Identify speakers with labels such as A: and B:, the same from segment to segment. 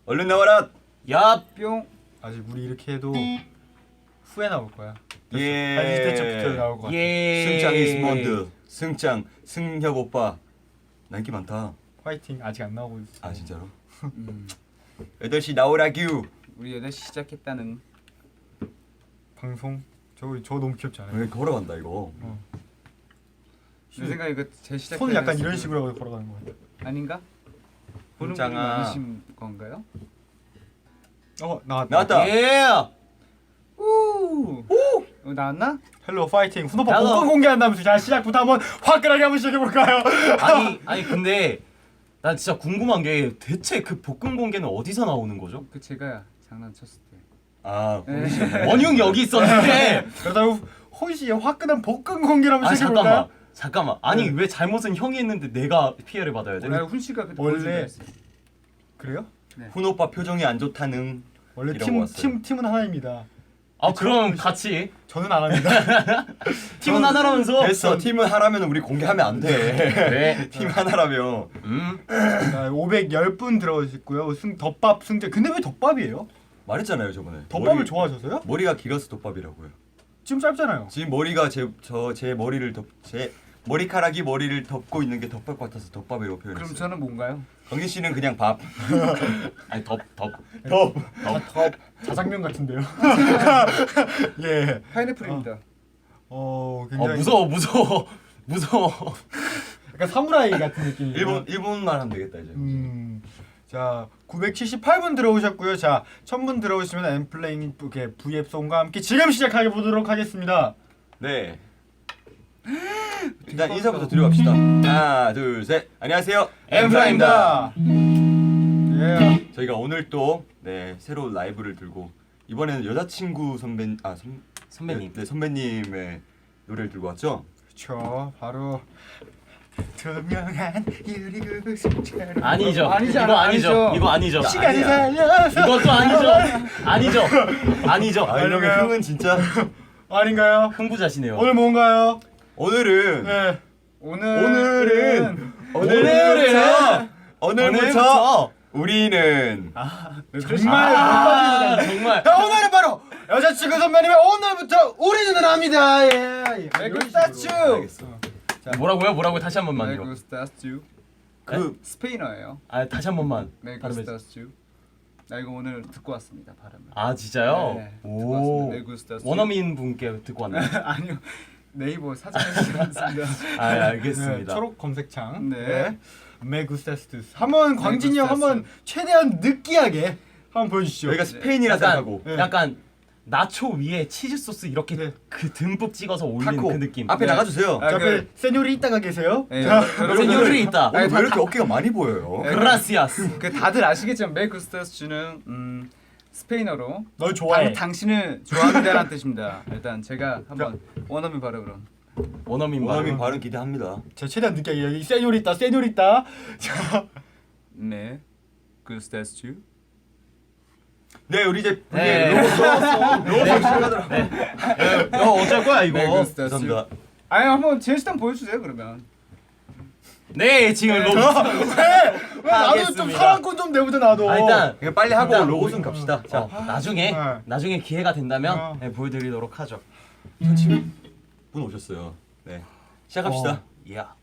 A: 얼른 나와라.
B: 야
C: 뿅.
D: 아직 우리 이렇게 해도 후에 나올 거야.
A: 예.
D: 한 20대쯤부터 나올 거 같아.
A: 승장 이스몬드. 승장 승혁 오빠. 나 인기 많다.
D: 화이팅. 아직 안 나오고 있어.
A: 아 진짜로? 8시 나오라규.
C: 우리 8시 시작했다는.
D: 방송 저 너무 귀엽지 않아요?
A: 왜 걸어간다 이거.
C: 내 생각에 이거 제 시작.
D: 손을 약간 이런 식으로 하고 걸어가는 거 같아.
C: 아닌가? 보는 분이
A: 승장아.
C: 많으신 건가요?
D: 나왔다.
A: 나왔다.
B: 예.
C: 우. 나왔나?
D: 헬로 파이팅. 훈오빠
B: 헬로.
D: 복권 공개한다면서 자 시작부터 한번 화끈하게 한번 시작해 볼까요?
B: 아니 근데 난 진짜 궁금한 게 대체 그 볶음 공개는 어디서 나오는 거죠?
C: 그 제가 장난쳤을 때.
A: 아
B: 원흉이 여기 있었는데.
D: 그러다가 호시 화끈한 복권 공개를 한번
B: 아니
D: 시작해 볼까요?
B: 잠깐만. 아니 왜 잘못은 형이 했는데 내가 피해를 받아야 돼?
C: 원래 훈 씨가 그때
D: 원래-
C: 보여준다 했어요.
D: 그래요?
A: 훈 오빠 표정이 안 좋다는.
D: 원래
A: 이러고 왔어요.
D: 팀은 하나입니다.
B: 아 그럼 같이
D: 저는 안 합니다.
B: 팀은 하나라면서.
A: 됐어. 팀은 하라면 우리 공개하면 안 돼.
B: 네.
A: 팀 하나라며.
D: 자, 510분 들어오셨고요. 덮밥 승재. 근데 왜 덮밥이에요?
A: 말했잖아요 저번에.
D: 덮밥을 좋아하셔서요?
A: 머리가 길어서 덮밥이라고요.
D: 지금 짧잖아요.
A: 지금 머리가 제 머리를 제 머리카락이 머리를 덮고 있는 게 덮밥 같아서 덮밥이라고 표현했어요.
C: 그럼 저는 뭔가요?
A: 강진 씨는 그냥 밥.
B: 아니 덮.
A: 덮.
D: 자장면 같은데요. 예.
C: 파인애플입니다.
D: 굉장히
B: 무서워.
D: 약간 사무라이 같은 느낌이에요.
A: 일본말 하면 되겠다 이제.
D: 자, 978분 들어오셨고요. 자, 1000분 들어오시면 엠플레잉 V앱송과 함께 지금 시작해 보도록 하겠습니다.
A: 네. 일단 인사부터 드려 갑시다. 하나, 둘, 셋. 안녕하세요.
B: 엠플라입니다.
D: 예.
A: 저희가 오늘 또 새로운 라이브를 들고 이번에는 여자친구
B: 선배님.
A: 네, 선배님의 노래를 들고 왔죠.
D: 그렇죠. 바로 투명한 유리구 승처럼.
B: 아니죠.
C: 아니잖아,
B: 이거 아니죠.
C: 아니죠.
B: 이거 아니죠.
D: 시간이
A: 아니야.
D: 살려서.
B: 이것도 아니죠.
A: 아 이러면
D: 아닌가요?
A: 흥은 진짜.
D: 아닌가요?
B: 흥부자시네요.
D: 오늘 뭔가요?
A: 오늘은
D: 네.
A: 오늘부터 우리는
D: 정말
B: 정말.
D: 자, 오늘은 바로 여자친구 선배님의 오늘부터 우리는 합니다. 예.
C: 메구스타츄.
A: 알겠어.
B: 뭐라고요? 다시 한 번만요.
C: 메구스타츄.
A: 그
C: 스페인어예요.
B: 아 다시 한 번만. 발음해 주세요.
C: 메구스타츄. 나 이거 오늘 듣고 왔습니다. 발음을.
B: 아 진짜요?
C: 네, 듣고
B: 오.
C: 왔습니다. 메구스타츄.
B: 원어민 분께 듣고 왔나요?
C: 아니요. 네이버 사전에서 봤습니다.
B: 아
D: 네,
B: 알겠습니다.
D: 초록 검색창.
C: 네.
D: 메구스타스. 한번 광진이 형 한번 최대한 느끼하게 한번 보여주시죠.
A: 여기가 스페인이라 생각하고
D: 네.
B: 약간 나초 위에 치즈 소스 이렇게
D: 네.
B: 그 듬뿍 찍어서 올린
A: 타코
B: 그 느낌.
A: 앞에
C: 네.
A: 나가주세요.
C: 아,
D: 자,
C: 그-
D: 앞에 세뇨리 있다가 계세요.
C: 네,
D: 자,
C: 여러분들
B: 세뇨리 있다.
A: 오늘 왜 이렇게 어깨가 많이 보여요?
C: 네.
B: 그라시아스.
C: 그 다들 아시겠지만 메구스타츄는 스페인어로
D: 널 좋아해.
C: 당신을 좋아한다는 뜻입니다. 일단 제가 한번 원어민 발음으로.
B: 원어민
A: 원어민
B: 발음.
A: 발음 기대합니다.
D: 자, 최대한 느끼하게 여기 세뇨리 있다. 자,
C: 메구스타츄.
A: 네 우리 이제
B: 네.
A: 로고 시작하더라.
B: 어쩔 거야 이거.
C: 메구스타츄.
A: 감사합니다.
C: 아니 한번 제시탄 보여주세요 그러면.
B: 네 지금 로고.
D: 왜 나도 좀
B: 하겠습니다.
D: 사랑꾼 좀 내보자 나도.
B: 아, 일단
A: 그냥 빨리 하고
B: 일단
A: 로고송 갑시다. 자,
B: 나중에
D: 네.
B: 기회가 된다면
D: 어.
B: 보여드리도록 하죠.
A: 분 오셨어요. 네, 시작합시다.
B: 야.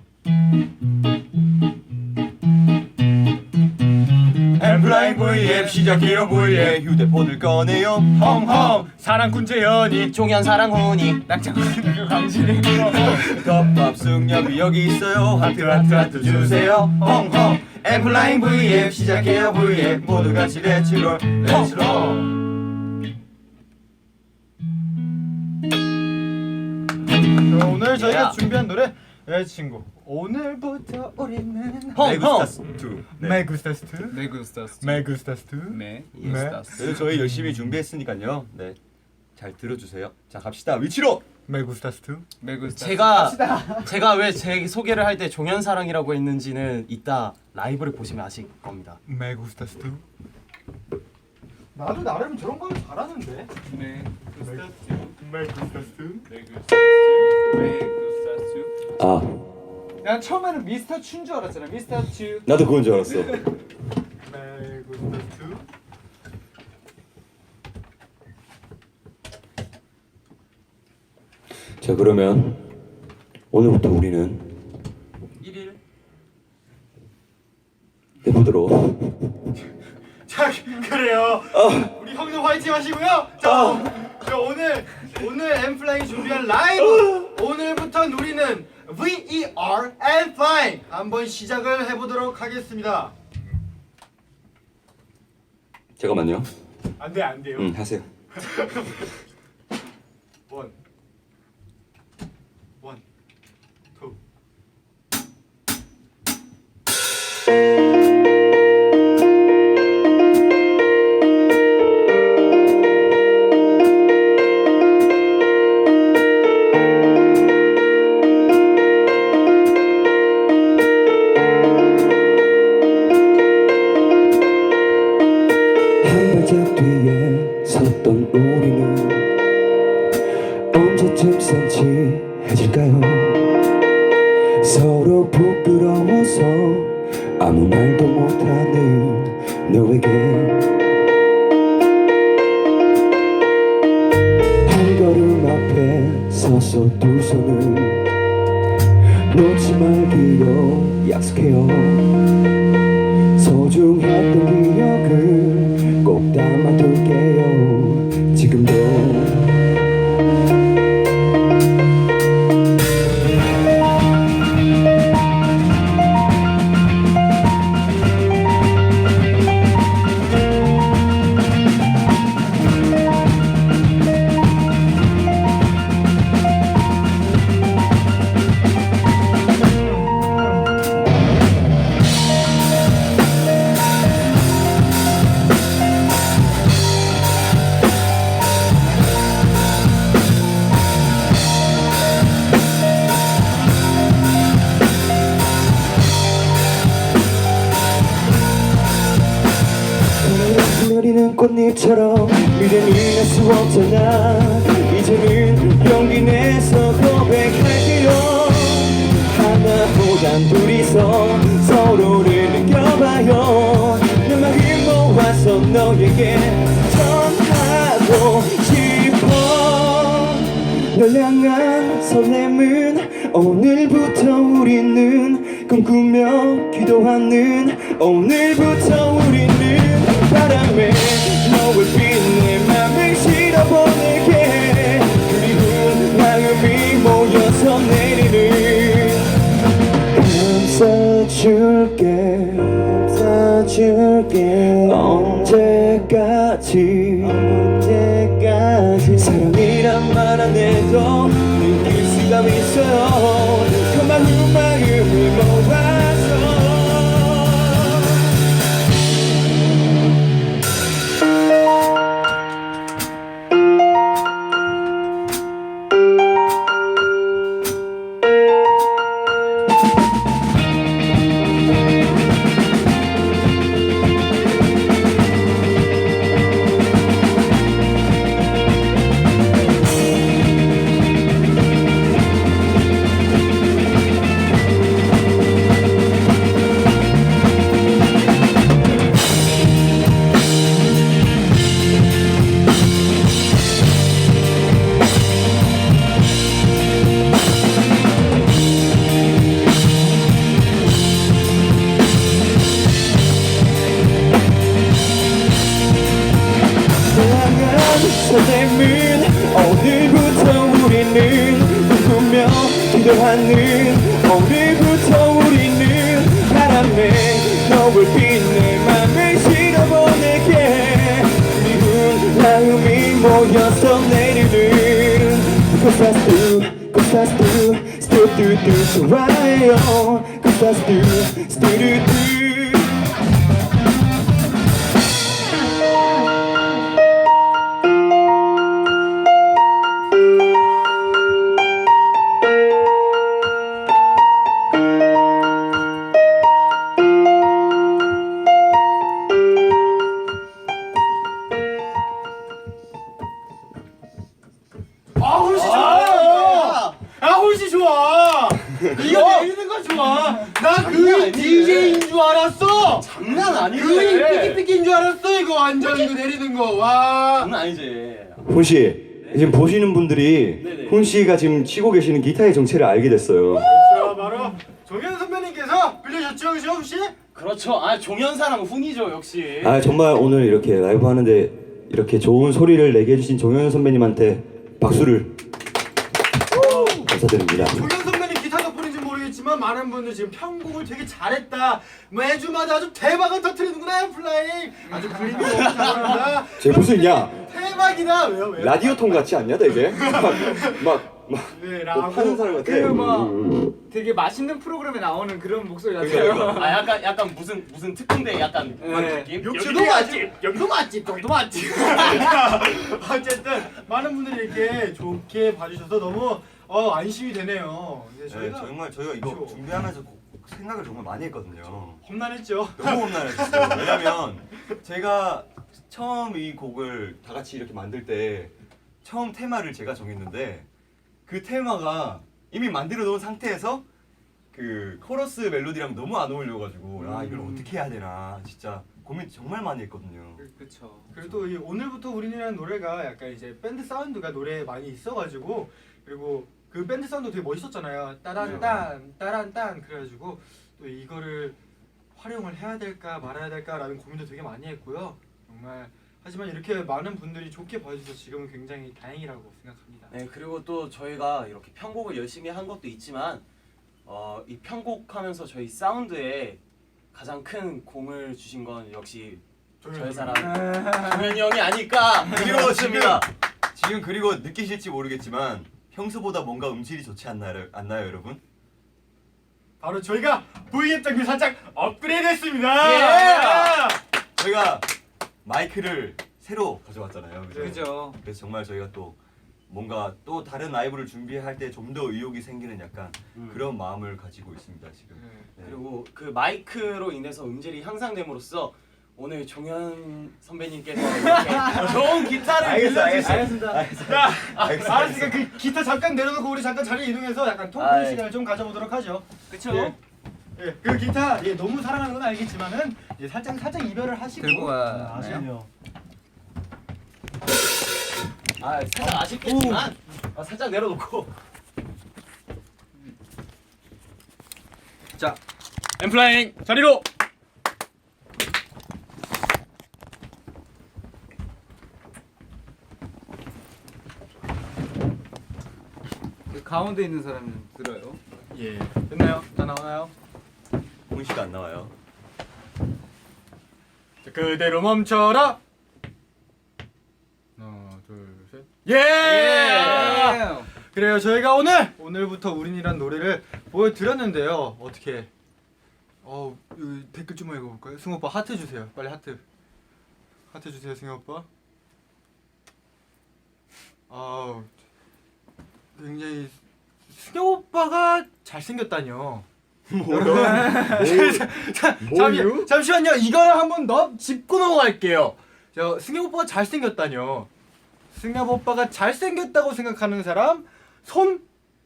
A: 엠플라잉 V앱 시작해요 V앱 휴대폰을 꺼내요 헝헝
D: 사랑꾼 재현이
B: 종현 사랑훈이
C: 낭창훈 강진이.
A: 덮밥 승엽이 여기 있어요 하트 하트 하트 주세요 헝헝 엠플라잉 V앱 시작해요 V앱 모두 같이 렛츠롤 렛츠롤
D: 자, 오늘 저희가
B: 야.
D: 준비한 노래 여자친구. 오늘부터 우리는
A: 메구스타스 2
D: 메구스타스.
C: 메구스타츄.
D: 메구스타스.
C: 메구스타츄.
A: 그래서 저희 열심히 준비했으니까요 네, 잘 들어주세요. 자 갑시다 위치로
D: 메구스타스.
C: 메구스타츄.
B: 제가 왜 제 소개를 할 때 종현 사랑이라고 했는지는 이따 라이브를 보시면 아실 겁니다.
D: 메구스타스. 나도 나름 저런 걸 잘하는데.
C: 메구스타츄.
D: 메구스타스.
C: 메구스타츄.
A: 아
C: 난 처음에는 미스터 춘 줄 알았잖아. 미스터 츄.
A: 나도 그건 줄 알았어.
D: 메구스타스.
A: 자 그러면 오늘부터 우리는
B: 1일
A: 해보도록.
D: 자 그래요. 우리 형님 화이팅 하시고요. 자 오늘 엠플라잉이 준비한 라이브 오늘부터 우리는 VER and Flying 한번 시작을 해보도록 하겠습니다.
A: 잠깐만요.
D: 안 돼요.
A: 하세요.
D: 원, 투.
A: 한 발짝 뒤에 섰던 우리는 언제쯤 센치해질까요? 서로 부끄러워서 아무 말도 못하는 너에게 한 걸음 앞에 서서 두 손을 놓지 말기로 약속해요. 소중했던 기억을 꼭 담아둘게요. 지금도 내리는 꽃잎처럼 미래는 알 수 없잖아. 이제는 용기 내서 고백할게요. 하나보단 둘이서 서로를 느껴봐요. 내 마음 모아서 너에게 전하고 싶어. 널 향한 설렘은 오늘부터 우리는 꿈꾸며 기도하는 오늘부터 우리는 바람에 너를 빛내 맘을 실어보낼게. 그리운 마음이 모여서 내리는 감싸줄게 언제까지 사랑이란 말 안 해도 느낄 수가 있어요. 그 마음을 모아서 설렘은 오늘부터 우리는 꿈꾸며 기도하는 오늘부터 우리는 바람에 너를 빛내 맘을 실어보낼게. 그리운 마음이 모여서 내리는 꽃사스도 스투두두 좋아해요. 꽃사스도 스투두두
D: 훨씬 좋아. 이거 내리는 거 좋아. 나 그 DJ인 줄 알았어.
B: 장난 아니지.
D: 그 삐끼삐끼인 줄 알았어. 이거 완전 이거 내리는 거. 와.
B: 장난 아니지.
A: 훈씨 지금 보시는 분들이
B: 네네.
A: 훈 씨가 지금 치고 계시는 기타의 정체를 알게 됐어요.
D: 자, 바로 종현 선배님께서 빌려줬죠, 그죠, 혹시?
B: 그렇죠. 아 종현사랑 훈이죠 역시.
A: 아 정말 오늘 이렇게 라이브 하는데 이렇게 좋은 소리를 내게 해주신 종현 선배님한테 박수를 감사드립니다.
D: 종현 선배님 기타 덕분인지 모르겠지만 많은 분들 지금 편곡을 되게 잘했다. 매주마다 아주 대박을 터뜨리는구나, 플라잉. 아주 그림이 너무 잘한다.
A: 쟤 무슨 야
D: 대박이다. 왜요?
A: 라디오 통 같지 않냐 되게? 막
D: 네,
A: 뭐 파는 사람 같아.
C: 되게 맛있는 프로그램에 나오는 그런 목소리 같아요.
B: 아 약간 무슨 특공대 약간 그런 느낌.
D: 여기도 맛집, 여기도 맛집, 저기도 맛집. 어쨌든 많은 분들이 이렇게 좋게 봐주셔서 너무 안심이 되네요. 네, 저희가
A: 저희가 이거
D: 그렇죠.
A: 준비하면서 생각을 정말 많이 했거든요.
D: 험난했죠.
A: 너무 험난했어요. 왜냐면 제가 처음 이 곡을 다 같이 이렇게 만들 때 처음 테마를 제가 정했는데 그 테마가 이미 만들어 놓은 상태에서 그 코러스 멜로디랑 너무 안 어울려가지고 아 이걸 어떻게 해야 되나 진짜 고민 정말 많이 했거든요.
C: 그렇죠.
D: 그리고 또 이 오늘부터 우린이라는 노래가 약간 이제 밴드 사운드가 노래에 많이 있어가지고 그리고 그 밴드 사운드 되게 멋있었잖아요. 따란딴 따란딴 그래가지고 또 이거를 활용을 해야 될까 말아야 될까라는 고민도 되게 많이 했고요. 정말 하지만 이렇게 많은 분들이 좋게 봐주셔서 지금은 굉장히 다행이라고 생각합니다.
B: 네 그리고 또 저희가 이렇게 편곡을 열심히 한 것도 있지만 이 편곡하면서 저희 사운드에 가장 큰 공을 주신 건 역시 저희 사람 종현이 형이 아닐까
A: 그리고
B: 싶습니다.
A: 지금 그리고 느끼실지 모르겠지만 평소보다 뭔가 음질이 좋지 않나요 여러분?
D: 바로 저희가 V앱 장비 살짝 업그레이드했습니다.
A: 저희가 마이크를 새로 가져왔잖아요.
C: 그죠.
A: 그래서 정말 저희가 또 뭔가 또 다른 라이브를 준비할 때 좀 더 의욕이 생기는 약간 그런 마음을 가지고 있습니다 지금. 네.
B: 그리고 그 마이크로 인해서 음질이 향상됨으로써 오늘 종현 선배님께서 이렇게 좋은 기타를
A: 알겠습니다.
D: 알았으니까 그 기타 잠깐 내려놓고 우리 잠깐 자리 이동해서 약간 토크
B: 아, 예.
D: 시간을 좀 가져보도록 하죠.
C: 그렇죠.
D: 예, 그 기타 너무 사랑하는 건 알겠지만은 살짝 이별을 하시고
C: 들고 가나요?
D: 아시네요.
B: 살짝 아쉽겠지만 살짝 내려놓고
C: 자, 엠플라잉 자리로. 그 가운데 있는 사람은 들어요.
D: 예, 됐나요? 다 나오나요?
A: 홍 씨가 안 나와요.
D: 자, 그대로 멈춰라. 하나, 둘, 셋. 예! 그래요. 저희가 오늘부터 우린이란 노래를 보여드렸는데요. 어떻게? 댓글 좀 읽어볼까요? 승우 오빠 하트 주세요. 빨리 하트. 하트 주세요, 승우 오빠. 굉장히 승우 오빠가 잘생겼다뇨. 잠시만요. 이거를 한번 짚고 넘어갈게요. 승엽 오빠가 잘생겼다뇨. 승엽 오빠가 잘생겼다고 생각하는 사람 손.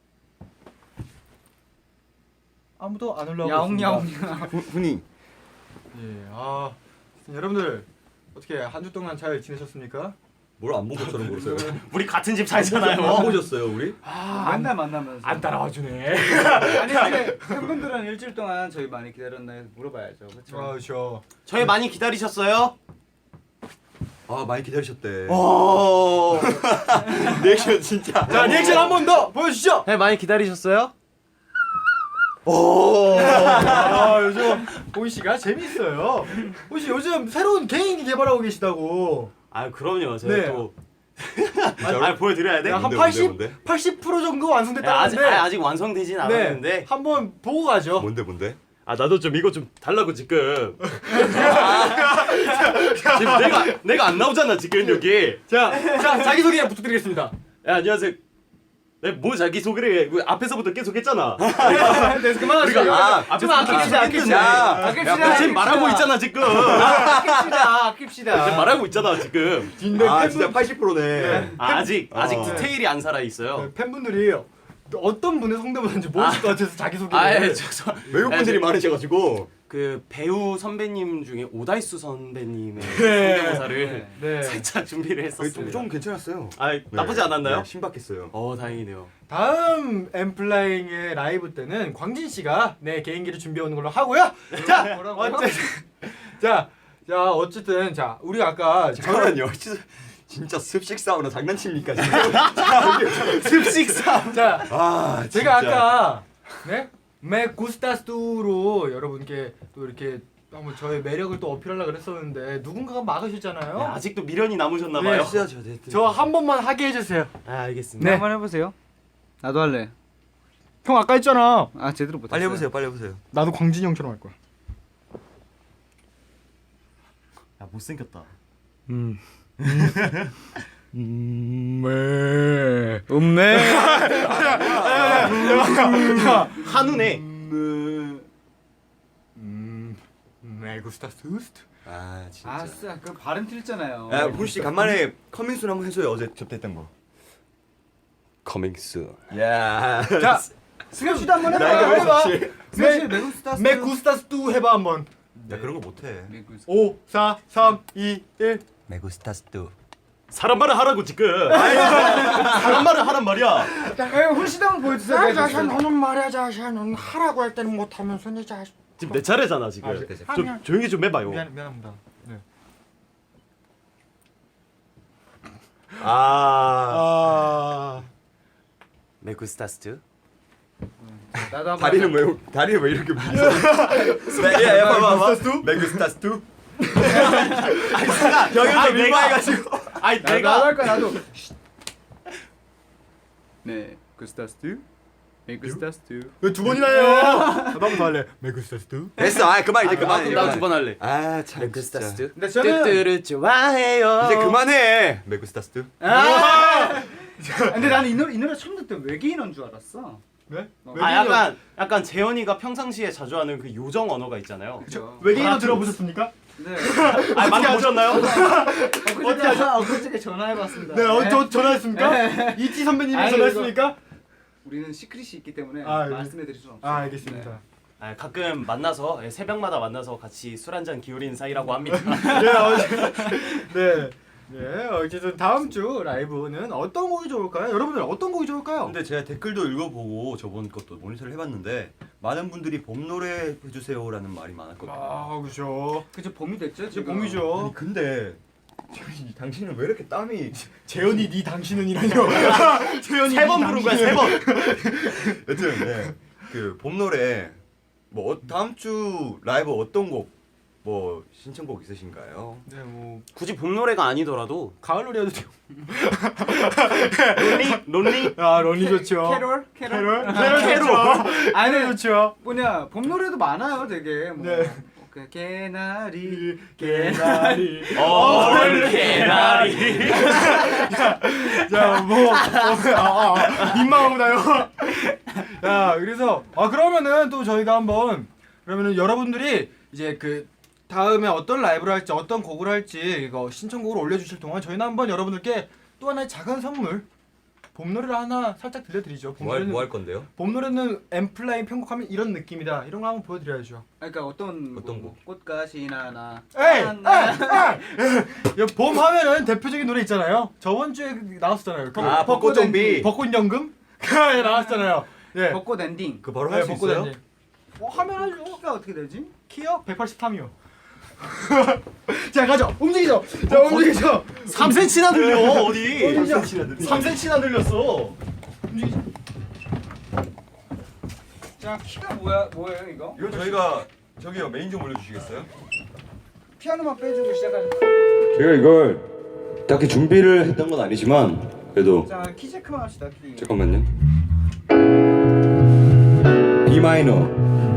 D: 아무도 안 올라오고 있습니다.
C: 야옹야옹.
A: 훈이
D: 예, 여러분들 어떻게 한 주 동안 잘 지내셨습니까?
A: 뭘 안 본 것처럼 모르세요?
B: 우리 같은 집 살잖아요.
A: 안 보셨어요 우리?
C: 맨날 만나면서.
D: 안 따라와 주네.
C: 아니 근데 팬분들은 일주일 동안 저희 많이 기다렸나요? 물어봐야죠. 그렇죠.
B: 저희 많이 기다리셨어요?
A: 아 많이 기다리셨대.
B: 오.
A: 리액션 진짜.
D: 자, 리액션 한 번 더 보여주시죠.
B: 네 많이 기다리셨어요?
D: 요즘 보이 씨가 재밌어요. 보이 씨 요즘 새로운 개인기 개발하고 계시다고.
B: 아 그럼요. 제가
D: 네.
B: 또 보여드려야 돼?
D: 한
A: 뭔데,
D: 80% 정도 완성됐다는데
B: 아직 완성되진 않았는데
D: 한번 보고 가죠.
A: 뭔데?
B: 아 나도 좀 이거 좀 달라고 지금. 지금 내가 안 나오잖아 지금 여기.
D: 자, 자기 소개 부탁드리겠습니다.
B: 야 안녕하세요. 네, 뭐 자기 소개를 해? 그 앞에서부터 계속 했잖아.
D: 네, 그만하시죠.
C: 좀 아낍시다.
B: 지금 말하고 있잖아 지금.
C: 아낍시다.
B: 지금 말하고 있잖아 지금.
D: 근데
A: 진짜 80%네.
B: 아직 디테일이 안 살아 있어요.
D: 팬분들이 어떤 분의 성대모사인지 모르실 것 같아서 자기 소개를.
A: 외국 분들이 많으셔가지고.
B: 그 배우 선배님 중에 오다이수 선배님의 성대모사를
D: 네.
B: 살짝 준비를 했었습니다.
A: 좀 괜찮았어요.
B: 아 나쁘지 않았나요?
A: 네, 신박했어요.
B: 다행이네요.
D: 다음 엠플라잉의 라이브 때는 광진 씨가 네 개인기를 준비해 오는 걸로 하고요. 자, 어쨌든 자 우리 아까
A: 잠깐만요. 진짜 습식 사우나 장난칩니까 지금?
B: 습식 싸움.
D: 자
A: 아
D: 제가 아까 네 메구스타스로 여러분께 또 이렇게 한번 저의 매력을 또 어필하려고 그랬었는데 누군가가 막으셨잖아요.
B: 네, 아직도 미련이 남으셨나봐요.
D: 저 한 번만 하게 해주세요.
B: 알겠습니다.
C: 네. 한번 해보세요. 나도 할래.
D: 형 아까 했잖아.
C: 아 제대로 못했어요.
A: 빨리 해보세요.
D: 나도 광진이 형처럼 할 거야.
B: 야 못생겼다.
C: 음메.
B: 한우네.
D: 메구스타스.
A: 아 진짜.
C: 아싸 그 발음 틀렸잖아요.
A: 야 훈씨 간만에 커밍순 한번 해줘요. 어제 접대했던 거.
B: Coming soon.
A: 야.
D: 자,
C: 승엽 씨도 한번
A: 나
C: 해봐.
A: 이거
C: 해봐.
A: 혹시-
C: 승엽 씨 메구스타스.
D: 메구스타스 해봐 한번.
A: 야 그런 거 못해.
D: 5, 4, 3, 2, 1.
A: 메구스타스도.
B: 사람 말을 하라고 지금. 사람 말을 하란 말이야.
C: 훈씨도 한번 보여주세요.
D: 너는 말이야 자샤는 하라고 할 때는 못하면서 내 자식.
B: 지금 내 차례잖아 지금. 좀 조용히 좀 해봐요.
D: 미안합니다. 네.
A: 아.
B: 메구스타스.
C: 나도 한번.
A: 다리는 왜 이렇게 묶여? 야 봐봐. 메구스타스도.
B: 경연도 민망해가지고. 아니
C: 나도 할 거야 나도. 네, 메구스타스. 메구스타스.
D: 왜 두 번이나 해요? 나도 한번 더 할래. 메구스타스.
A: 됐어. 아 그만 이제 그만.
B: 나도 두 번 할래.
A: 아참
B: 메구스타스.
D: 근데 저는
B: 뚜뚜를 좋아해요.
A: 이제 그만해. 메구스타스도.
C: 근데 나는 이 노래 처음 듣을 때 외계인인 줄 알았어.
D: 네?
B: 약간 재현이가 평상시에 자주 하는 그 요정 언어가 있잖아요.
C: 그렇죠.
D: 외계인어 들어보셨습니까?
C: 네.
B: 많이 보셨나요?
C: 엊그저께 전화해봤습니다.
D: 네, 저 전화했습니까? 이티 선배님이
C: 아니,
D: 전화했습니까?
C: 우리는 시크릿이 있기 때문에
D: 아,
C: 말씀해드릴 수는 없어요.
D: 아, 알겠습니다.
B: 가끔 만나서 새벽마다 만나서 같이 술 한잔 기울이는 사이라고 합니다.
D: 네. 네, 어쨌든 다음 주 라이브는 어떤 곡이 좋을까요? 여러분들 어떤 곡이 좋을까요?
A: 근데 제가 댓글도 읽어보고 저번 것도 모니터를 해봤는데 많은 분들이 봄 노래 해주세요라는 말이 많았거든요.
D: 아, 그죠.
C: 그죠 봄이 됐죠?
D: 이제
C: 지금
D: 봄이죠.
A: 아니 근데 당신은 왜 이렇게 땀이
D: 재현이 네 당신은이라뇨. 재현이
B: 세 번 부른 거야 세 번.
A: 여튼 네. 그 봄 노래 뭐 다음 주 라이브 어떤 곡 뭐 신청곡 있으신가요?
D: 네, 뭐
B: 굳이 봄 노래가 아니더라도
D: 가을 노래 해도 돼요.
B: 론리
D: 아, 런이 좋죠.
C: 캐롤?
D: 캐롤
B: 캐롤.
C: 아니
D: 좋죠.
C: 뭐냐 봄 노래도 많아요 되게 뭐.
D: 네.
C: 개나리
D: 개나리.
B: 개나리.
D: 자, 민망하구나요. 자, 그래서 그러면은 또 저희가 한번 그러면은 여러분들이 이제 그 다음에 어떤 라이브를 할지 어떤 곡을 할지 이거 신청곡을 올려주실 동안 저희는 한번 여러분들께 또 하나의 작은 선물 봄 노래를 하나 살짝 들려드리죠. 봄 노래는
A: 뭐 할 건데요?
D: 봄 노래는 엠플라잉 편곡하면 이런 느낌이다. 이런 거 한번 보여드려야죠.
C: 그러니까 어떤
A: 곡?
C: 꽃가시 나나.
D: 에이! 봄 하면은 대표적인 노래 있잖아요. 저번 주에 나왔었잖아요.
A: 아 벚꽃 좀비.
D: 벚꽃 연금? 나왔잖아요. 예.
C: 벚꽃 엔딩.
A: 그 바로 할 수 있어요?
D: 하면 하죠.
C: 키가 어떻게 되지?
D: 키요? 183이요. 자 가죠. 움직이죠. 자 움직이죠.
B: 3cm나 늘려 어디?
D: 3cm나 늘렸어. 움직이죠.
C: 자 키가 뭐예요 이거?
A: 이거 저희가 저기요 메인 좀 올려주시겠어요?
C: 피아노만 빼주고 시작하는.
A: 제가 이걸 딱히 준비를 했던 건 아니지만 그래도
C: 자키 체크만 합시다 키.
A: 잠깐만요. B 마이너.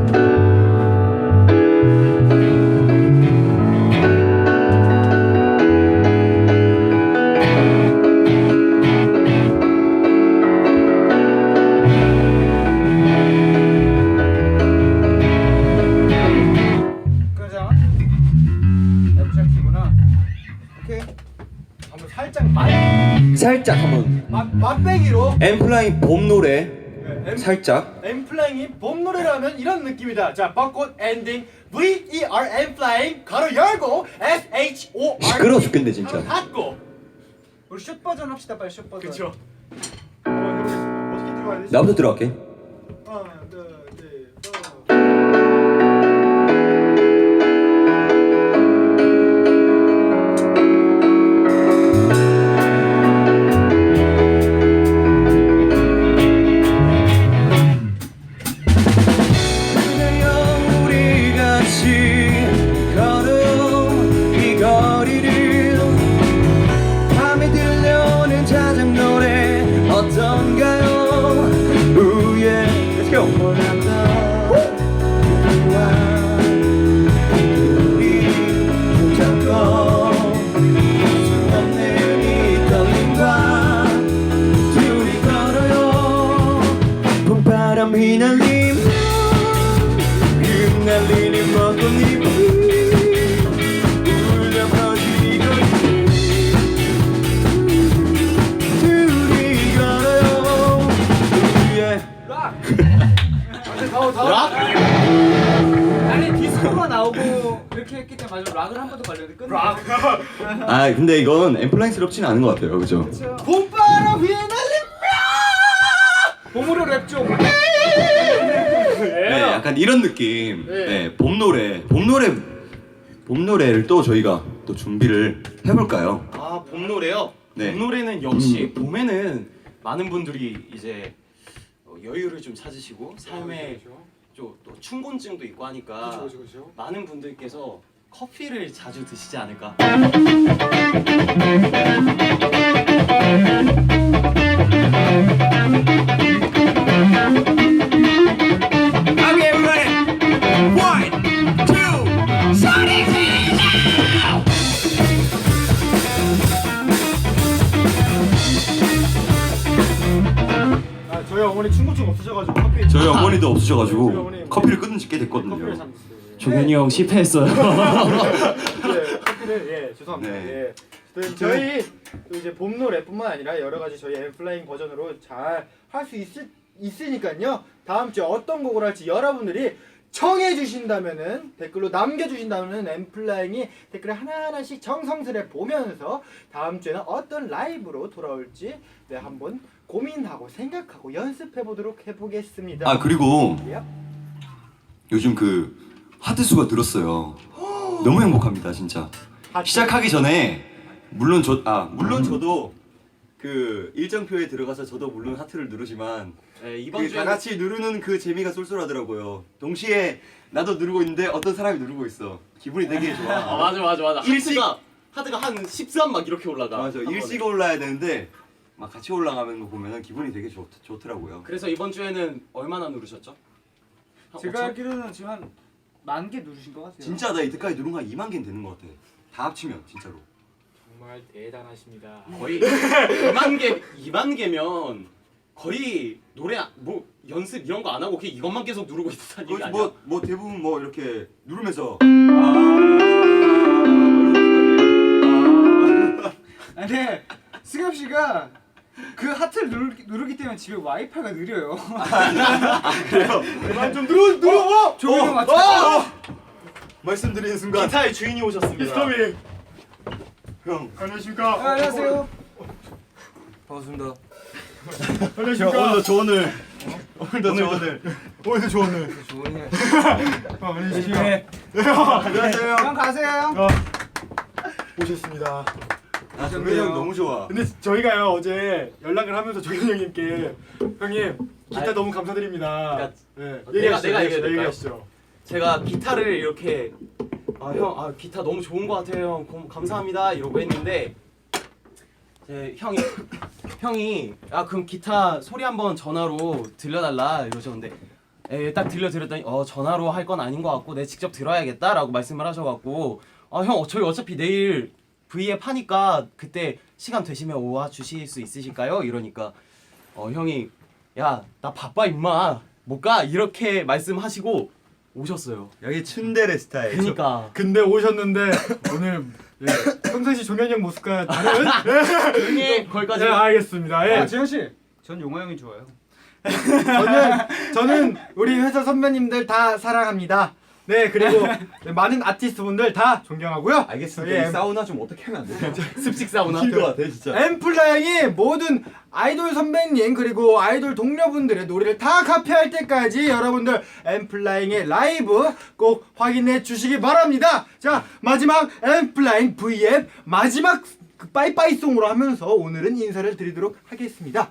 C: 그죠? F 키구나. 오케이.
D: 한번 살짝
A: 살짝 한번
D: 맛배기로
A: 엠플라잉 봄 노래
D: 네,
A: 살짝
D: 엠플라잉이 봄 노래라면 이런 느낌이다. 자 벚꽃 엔딩 VERN Flame 가로 열고 SHOR
E: 시끄러워 죽겠네 진짜.
D: 닫고.
C: 우리 숏 버전 합시다 빨리 숏 버전.
D: 그쵸. 한번 해보겠습니다. 어떻게 들어가야 되지?
E: 나부터 들어갈게.
D: 하나, 둘, 셋,
A: 그대여 우리 같이 걸음 이 거리를 밤에 들려오는 자작 노래 어떤가요? 우예 Let's go 우리 붙잡고 수 없는 이 떨림과 둘이 걸어요 봄바람 휘날리며 흩날리는 먼 꽃잎이 울려 퍼지고 둘이 걸어요 우예
C: 아니 디스코가 나오고 이렇게 했기 때문에 마지막 락을 한 번 더 걸렸는데 끝내. 락.
A: 아 근데 이건 엠플라잉스럽지는 않은 것 같아요 그죠?
D: 봄바람 위에 날림.
C: 봄으로 랩 좀.
A: 네, 약간 이런 느낌. 네, 봄 노래를 또 저희가 또 준비를 해볼까요?
B: 아, 봄 노래요?
A: 네.
B: 봄 노래는 역시 봄에는 많은 분들이 이제 여유를 좀 찾으시고 삶에 또 춘곤증도 있고 하니까
D: 그쵸.
B: 많은 분들께서 커피를 자주 드시지 않을까.
A: Okay, everybody. 1, 2, 소리 질러!
D: 아, 저희 어머니 충고증 없으셔가지고 커피.
A: 저희 어머니도
D: 저희
A: 없으셔가지고
D: 어머니
A: 커피를 끊은 지 꽤
D: 커피를
A: 됐거든요.
D: 샀어요.
B: 종현이 형 실패했어요.
D: 네, 커피를 죄송합니다.
A: 네.
D: 네. 저희 또 이제 봄 노래뿐만 아니라 여러 가지 저희 엠플라잉 버전으로 잘 할 수 있으니까요. 다음 주에 어떤 곡을 할지 여러분들이 청해 주신다면은 댓글로 남겨 주신다면은 엠플라잉이 댓글을 하나하나씩 정성스레 보면서 다음 주에는 어떤 라이브로 돌아올지 네, 한번 고민하고 생각하고 연습해 보도록 해보겠습니다.
A: 아 그리고
D: 예?
A: 요즘 그 하트 수가 늘었어요. 너무 행복합니다 진짜. 시작하기 전에 물론 저도 그 일정표에 들어가서 저도 물론 하트를 누르지만
B: 네, 이번
A: 그
B: 주에
A: 다 같이 누르는 그 재미가 쏠쏠하더라고요. 동시에 나도 누르고 있는데 어떤 사람이 누르고 있어. 기분이 되게 좋아.
B: 맞아.
A: 일찍-
B: 하드가 한 13 막 이렇게 올라가.
A: 맞아.
B: 한 번에.
A: 일찍 올라야 되는데 막 같이 올라가는 거 보면 기분이 되게 좋더라고요.
B: 그래서 이번 주에는 얼마나 누르셨죠? 한
C: 제가
B: 5천?
C: 알기로는 지금 한 10,000개 누르신 것 같아요.
A: 진짜 나 이때까지 누른 거 한 2만 개는 되는 것 같아. 다 합치면 진짜로.
D: 정말 대단하십니다.
B: 거의 2만 개면 거의 노래 뭐 연습 이런 거 안 하고 그냥 이것만 계속 누르고 있다는 얘기
A: 거의
B: 아니야?
A: 뭐 대부분 뭐 이렇게 누르면서
C: 아니 근데 승엽 씨가 그 하트를 누르기 때문에 집에 와이파이가 느려요.
A: 그래요.
D: 그만 좀 눌러.
C: 조용히 맞춰.
A: 말씀드리는 순간
B: 기타의 주인이 오셨습니다.
D: 미스터미.
A: 형
D: 안녕하십니까.
C: 안녕하세요.
A: 반갑습니다.
D: 안녕하십니까.
A: 오늘도 조언을 오늘도 조언을
C: 조심해.
A: 안녕하세요.
C: 형 가세요 형.
D: 오셨습니다.
A: 아 정근이 형 너무 좋아.
D: 근데 저희가요 어제 연락을 하면서 정현 형님께 형님 기타
B: 아니,
D: 너무 감사드립니다.
B: 그러니까
D: 네.
B: 내가 얘기해야 될까요?
D: 얘기하시죠.
B: 제가 기타를 이렇게 형 기타 너무 좋은 거 같아요. 형 감사합니다 이러고 했는데 형이 그럼 기타 소리 한번 전화로 들려달라 이러셨는데 딱 들려드렸더니 전화로 할 건 아닌 것 같고 내 직접 들어야겠다라고 말씀을 하셔갖고 형 저희 어차피 내일 V앱 하니까 그때 시간 되시면 와 주실 수 있으실까요? 이러니까 형이 야 나 바빠 임마 못 가 이렇게 말씀하시고 오셨어요.
A: 여기 츤데레 스타일.
B: 그러니까
D: 근데 오셨는데 오늘 평상시 종현이 형 모습과 다른
B: 형이 거기까지
D: 네, 알겠습니다. 예.
C: 재현 씨, 전 용화 형이 좋아요.
D: 저는 우리 회사 선배님들 다 사랑합니다. 네 그리고 네, 많은 아티스트 분들 다 존경하고요.
A: 알겠습니다.
D: 예.
A: 이 사우나 좀 어떻게 하면 안 돼요?
B: 습식 사우나.
A: 웃길 것 같아 진짜.
D: 엠플라잉이 모든 아이돌 선배님 그리고 아이돌 동료분들의 노래를 다 카피할 때까지 여러분들 엠플라잉의 라이브 꼭 확인해 주시기 바랍니다. 자 마지막 엠플라잉 V앱 마지막 그 빠이빠이송으로 하면서 오늘은 인사를 드리도록 하겠습니다.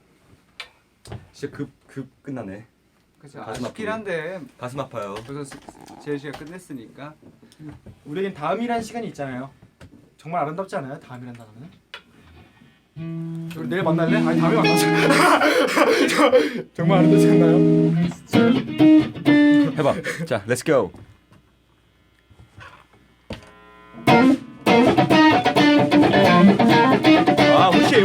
A: 진짜 급 끝나네.
C: 그렇죠.
A: 가슴
C: 아쉽긴
A: 아프네.
C: 한데
A: 가슴 아파요.
C: 벌써 재현 씨가 끝냈으니까.
D: 우리에겐 다음이란 시간이 있잖아요. 정말 아름답지 않아요? 다음이란 단어는? 우리 내일 만날래? 아니 다음에 만나자. 정말 아름답지 않나요?
A: 해봐. 자, 렛츠 고. 아, 혹시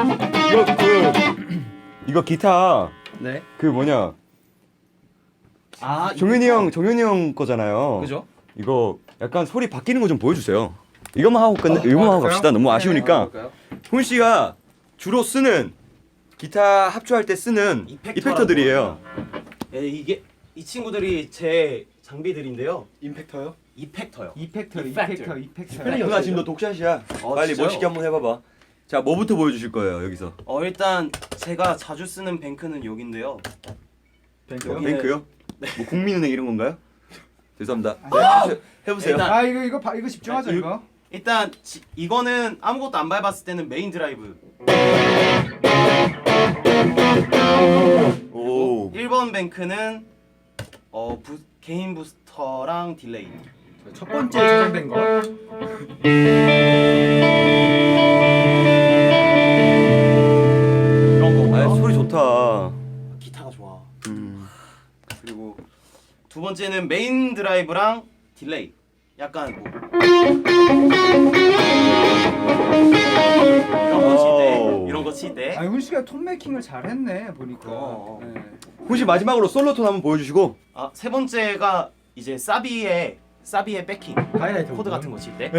A: 이거 기타
B: 네.
A: 그 뭐냐
B: 아
A: 종현이 형 거잖아요.
B: 그죠?
A: 이거 약간 소리 바뀌는 거 좀 보여주세요. 이것만 하고 이것만 하고
D: 그럴까요?
A: 갑시다. 너무 아쉬우니까. 훈 씨가 주로 쓰는 기타 합주할 때 쓰는 이펙터들이에요.
B: 예, 이게 이 친구들이 제 장비들인데요.
D: 임팩터요?
B: 이펙터요.
C: 이펙터.
A: 누나 지금 너 독샷이야. 빨리
B: 진짜요?
A: 멋있게 한번 해봐봐. 자, 뭐부터 보여주실 거예요 여기서?
B: 일단 제가 자주 쓰는 뱅크는 여기인데요.
D: 뱅크요?
B: 여기-
A: 뱅크요? 뭐 국민은행 이런 건가요? 죄송합니다. 해보세요.
B: 일단-
C: 아 이거 집중하자
B: 아,
C: 이거.
B: 일단 이거는 아무것도 안 밟았을 때는 메인 드라이브.
A: 오.
B: 1번 뱅크는 개인 부스터랑 딜레이.
D: 첫 번째 저장된 거.
B: 이런 거고요.
A: 아, 소리 좋다.
B: 기타가 좋아.
A: 음.
B: 그리고 두 번째는 메인 드라이브랑 딜레이. 약간 뭐 이런 거 칠 때.
C: 아니 훈 씨가 톤 메이킹을 잘했네 보니까. 네.
A: 혹시 마지막으로 솔로 톤 한번 보여주시고.
B: 세 번째가 이제 사비의 백킹
D: 하이라이트
B: 코드 같은 거 칠 때.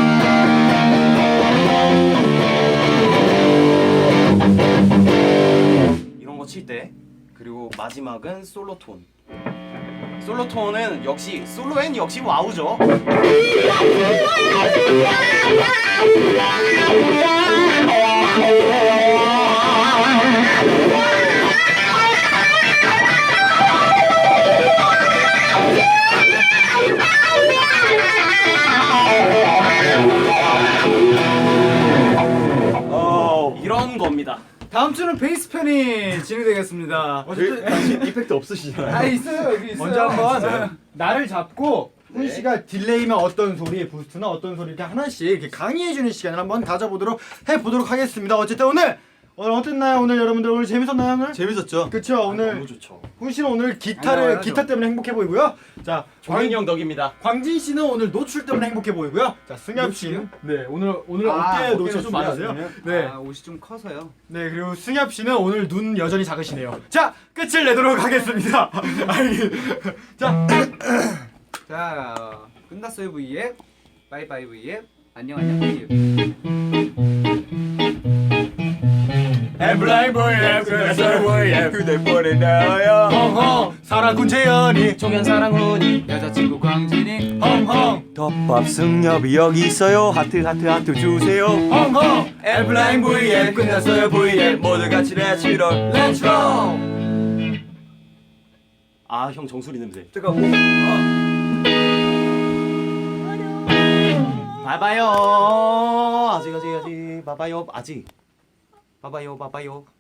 B: 이런 거 칠 때. 그리고 마지막은 솔로 톤. 솔로 톤은 역시 솔로엔 역시 와우죠. 이런 겁니다.
C: 다음 주는 베이스 편이 진행되겠습니다.
A: 당신 이펙트 없으시잖아요.
C: 아 있어요 여기 있어요.
D: 먼저 한번
C: 진짜요?
D: 나를 잡고 훈
B: 네.
D: 씨가 딜레이면 어떤 소리, 부스트나 어떤 소리 이렇게 하나씩 이렇게 강의해주는 시간을 한번 가져보도록 해보도록 하겠습니다. 어쨌든 오늘 어땠나요? 오늘 여러분들 오늘 재밌었나요 오늘?
A: 재밌었죠?
D: 그쵸 오늘
B: 너무 좋죠.
D: 훈 씨는 오늘
C: 아니요,
D: 기타 때문에 행복해 보이고요. 자
B: 종현이 형 덕입니다.
D: 광진 씨는 오늘 노출 때문에 행복해 보이고요. 자 승엽 씨는 네 오늘 어깨 노출 좀 많으세요. 네.
C: 아 옷이 좀 커서요.
D: 네 그리고 승엽 씨는 오늘 눈 여전히 작으시네요. 자 끝을 내도록 하겠습니다. 자
C: 자 끝났어요 V앱. 바이바이 V앱. 안녕 V앱.
D: 엠블라잉 보이앱 그래서 보이앱
A: 휴대폰에 나와요.
D: 헝헝 사랑꾼 재현이
B: 종현 사랑훈이
C: 여자친구 광진이.
D: 헝헝
A: 덮밥 승엽이 여기 있어요. 하트 주세요.
D: 헝헝
A: 엠블라잉 V앱 끝났어요 V앱 모두 같이 렛츠롤
D: 렛츠고
B: 형 정수리 냄새.
A: 뜨거워.
B: 봐봐요. 아직. 봐봐요. 아직. 봐봐요.